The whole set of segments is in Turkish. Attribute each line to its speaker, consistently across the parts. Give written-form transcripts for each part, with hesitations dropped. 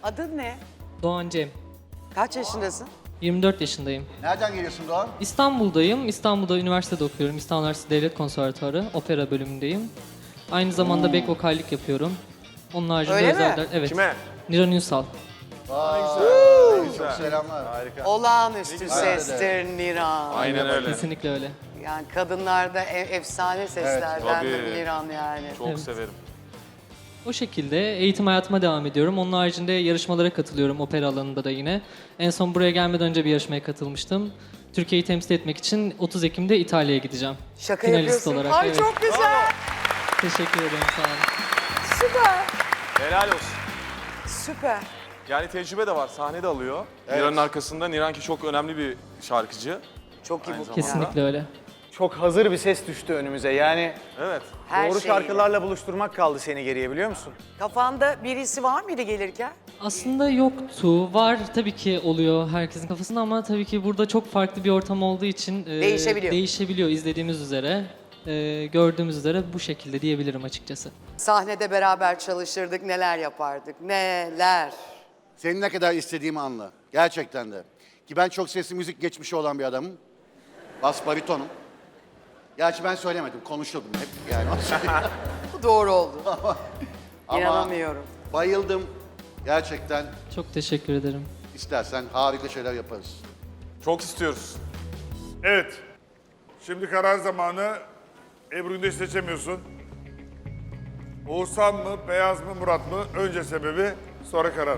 Speaker 1: Adın ne?
Speaker 2: Doğan Cem.
Speaker 1: Kaç yaşındasın?
Speaker 2: 24 yaşındayım.
Speaker 3: Nereden geliyorsun Doğan?
Speaker 2: İstanbul'dayım. İstanbul'da üniversitede okuyorum. İstanbul Üniversitesi Devlet Konservatuarı. Opera bölümündeyim. Aynı zamanda back vokallik yapıyorum. Onun haricinde
Speaker 1: Öyle mi?
Speaker 2: özel... Evet.
Speaker 4: Kime?
Speaker 2: Niran Ünsal.
Speaker 3: Çok selamlar.
Speaker 4: Harika.
Speaker 1: Olağanüstü sestir Niran.
Speaker 4: Aynen öyle.
Speaker 2: Kesinlikle öyle.
Speaker 1: Yani kadınlarda efsane seslerdendir
Speaker 4: tabii.
Speaker 1: Niran yani.
Speaker 4: Çok
Speaker 2: Evet.
Speaker 4: severim.
Speaker 2: O şekilde eğitim hayatıma devam ediyorum. Onun haricinde yarışmalara katılıyorum opera alanında da yine. En son buraya gelmeden önce bir yarışmaya katılmıştım. Türkiye'yi temsil etmek için 30 Ekim'de İtalya'ya gideceğim.
Speaker 1: Şaka
Speaker 2: Finalist
Speaker 1: yapıyorsun.
Speaker 2: olarak.
Speaker 1: Ay
Speaker 2: Evet.
Speaker 1: çok güzel.
Speaker 2: Teşekkür ederim. Sağ olun.
Speaker 1: Süper.
Speaker 4: Helal olsun.
Speaker 1: Süper.
Speaker 4: Yani tecrübe de var. Sahne de alıyor. Niran'ın arkasında. Niran ki çok önemli bir şarkıcı.
Speaker 1: Çok iyi
Speaker 4: Aynı
Speaker 1: bu.
Speaker 4: zamanda.
Speaker 2: Kesinlikle öyle.
Speaker 5: Çok hazır bir ses düştü önümüze. Yani
Speaker 4: Evet.
Speaker 1: Her
Speaker 5: doğru
Speaker 1: şeyiyle.
Speaker 5: şarkılarla buluşturmak kaldı seni geriye, biliyor musun?
Speaker 1: Kafanda birisi var mıydı gelirken?
Speaker 2: Aslında yoktu. Var tabii ki oluyor herkesin kafasında ama tabii ki burada çok farklı bir ortam olduğu için değişebiliyor izlediğimiz üzere. Gördüğümüz üzere bu şekilde diyebilirim açıkçası.
Speaker 1: Sahnede beraber çalışırdık, neler yapardık, neler.
Speaker 3: Senin ne kadar istediğimi anla. Gerçekten de. Ki ben çok sesli müzik geçmişi olan bir adamım. Bas baritonum. Gerçi ben söylemedim, konuşuyordum hep yani.
Speaker 1: Bu doğru oldu.
Speaker 3: Ama
Speaker 1: İnanamıyorum.
Speaker 3: bayıldım. Gerçekten
Speaker 2: Çok teşekkür ederim.
Speaker 3: istersen harika şeyler yaparız.
Speaker 4: Çok istiyoruz.
Speaker 6: Evet. Şimdi karar zamanı. Ebru Gündeş'i seçemiyorsun. Oğuzhan mı, Beyaz mı, Murat mı? Önce sebebi, sonra karar.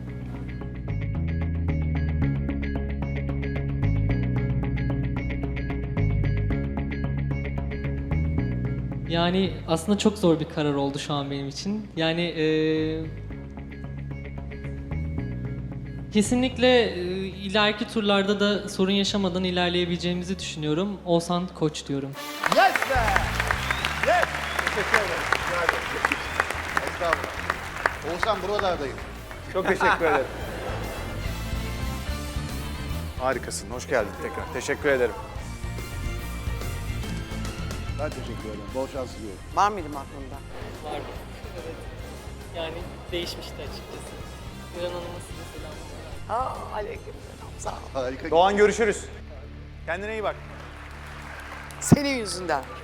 Speaker 2: Yani aslında çok zor bir karar oldu şu an benim için. Yani kesinlikle ileriki turlarda da sorun yaşamadan ilerleyebileceğimizi düşünüyorum. Oğuzhan Koç diyorum.
Speaker 3: Yes be! Yes! Teşekkür ederim. Estağfurullah. Oğuzhan buralardayım.
Speaker 5: Çok teşekkür ederim. Harikasın. Hoş geldin tekrar. Teşekkür ederim.
Speaker 3: Ben teşekkür ederim. Bol şans diliyorum.
Speaker 1: Var mıydı aklında?
Speaker 2: Vardı. Evet. Yani değişmişti açıkçası. Miran Hanım'a size selamlar.
Speaker 1: Aleykümselam. Sağ ol.
Speaker 3: Harika.
Speaker 5: Doğan, görüşürüz. Kendine iyi bak.
Speaker 1: Senin yüzünden.